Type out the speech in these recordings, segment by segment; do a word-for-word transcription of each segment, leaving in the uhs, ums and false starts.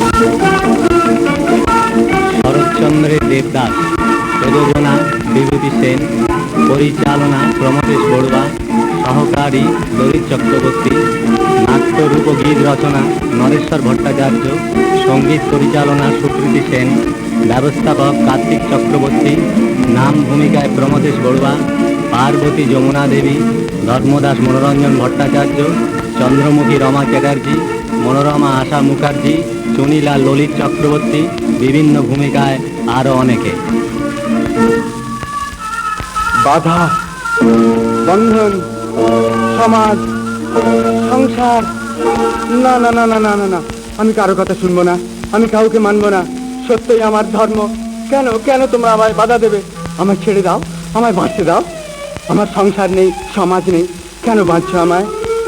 শরৎচন্দ্রের দেবদাস, প্রযোজনা বিভূতি সেন, পরিচালনা প্রমথেশ বড়ুয়া, সহকারী ললিত চক্রবর্তী, নাট্য রূপ ও গীত রচনা নরেশ্বর ভট্টাচার্য, সঙ্গীত পরিচালনা সুকৃতি সেন, ব্যবস্থাপক কার্তিক চক্রবর্তী, নাম ভূমিকায় প্রমথেশ বড়ুয়া, পার্বতী যমুনা দেবী, ধর্মদাস মনোরঞ্জন ভট্টাচার্য, চন্দ্রমুখী রমা চ্যাটার্জি, মনোরমা আশা মুখার্জি, চুনিলাল ললিত চক্রবর্তী, বিভিন্ন ভূমিকায় আরও অনেকে। বাধা, বন্ধন, সমাজ, সংসার, না না না না না না না, আমি কারো কথা শুনবো না, আমি কাউকে মানবো না। সত্যই আমার ধর্ম। কেন কেন তোমরা আমায় বাধা দেবে? আমায় ছেড়ে দাও, আমায় বাঁচতে দাও। আমার সংসার নেই, সমাজ নেই, কেন বাঁচছো আমায়?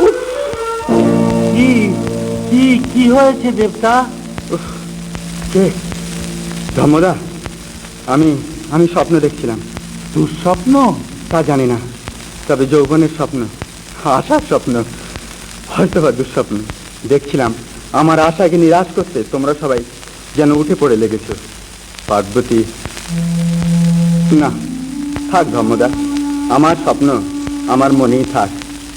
কি কি কি হয়েছে দেবতা? কে? ধর্মদা, আমি আমি স্বপ্ন দেখছিলাম। দুঃস্বপ্ন? তা জানি না, তবে যৌবনের স্বপ্ন, আশার স্বপ্ন, হয়তো বা দুঃস্বপ্ন। দেখছিলাম আমার আশাকে নিরাশ করতে তোমরা সবাই যেন উঠে পড়ে লেগেছ। পার্বতী, না থাক ধর্মদা, আমার স্বপ্ন আমার মনেই থাক।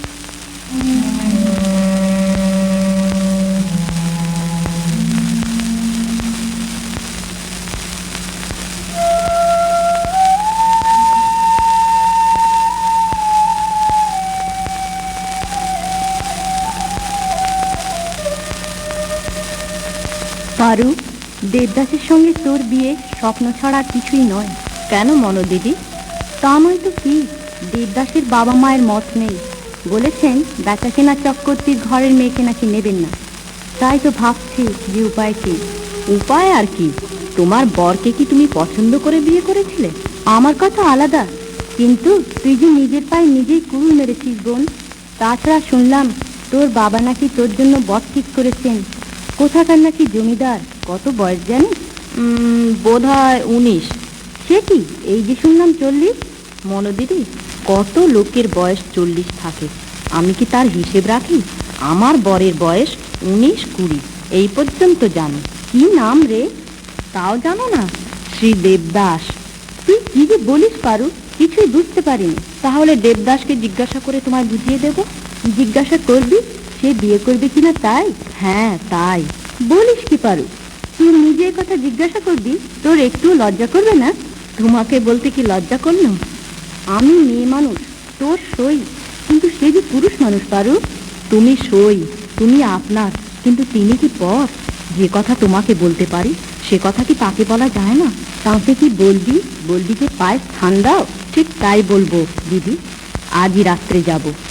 পারু, দেবদাসের সঙ্গে তোর বিয়ে স্বপ্ন ছাড়া কিছুই নয়। কেন মনো দিদি? তা নয় তো কি, দেবদাসের বাবা মায়ের মত নেই, বলেছেন বেচা কেনা চক্রবর্তীর ঘরের মেয়েকে নাকি নেবেন না। তাই তো ভাবছি যে উপায় কি। উপায় আর কি? তোমার বরকে কি তুমি পছন্দ করে বিয়ে করেছিলে? আমার কথা আলাদা, কিন্তু তুই যে নিজের পায়ে নিজেই কুড়ুল মেরেছিস বোন। তাছাড়া শুনলাম তোর বাবা নাকি তোর জন্য বর ঠিক করেছেন। কোথাকার নাকি জমিদার। কত বয়স জানিস? বোধ হয় উনিশ। সে কি, এই যে শুনলাম চল্লিশ। মনোদিদি, কত লোকের বয়স চল্লিশ থাকে, আমি কি তার হিসেব রাখি? আমার বরের বয়স উনিশ কুড়ি এই পর্যন্ত জানি। কি নাম রে? তাও জানো না? শ্রী দেবদাস। তুই কি যে বলিস পারু, কিছুই বুঝতে পারিনি। তাহলে দেবদাসকে জিজ্ঞাসা করে তোমায় বুঝিয়ে দেব। জিজ্ঞাসা করবি সে বিয়ে করবে কিনা তাই? হ্যাঁ তাই। বলিস কি পারু, তুই নিজের কথা জিজ্ঞাসা করবি? তোর একটু লজ্জা করবে না? তোমাকে বলতে কি লজ্জা করলাম? আমি মেয়ে মানুষ, তোর সই, কিন্তু সে যে পুরুষ মানুষ পারু। তুমি সই, তুমি আপনার, কিন্তু তিনি কি পর। যে কথা তোমাকে বলতে পারি সে কথা কি তাকে বলা যায় না? তাকে কি বলবি? বলবি যে পায়ে স্থান দাও। ঠিক তাই বলবো দিদি, আজই রাত্রে যাব।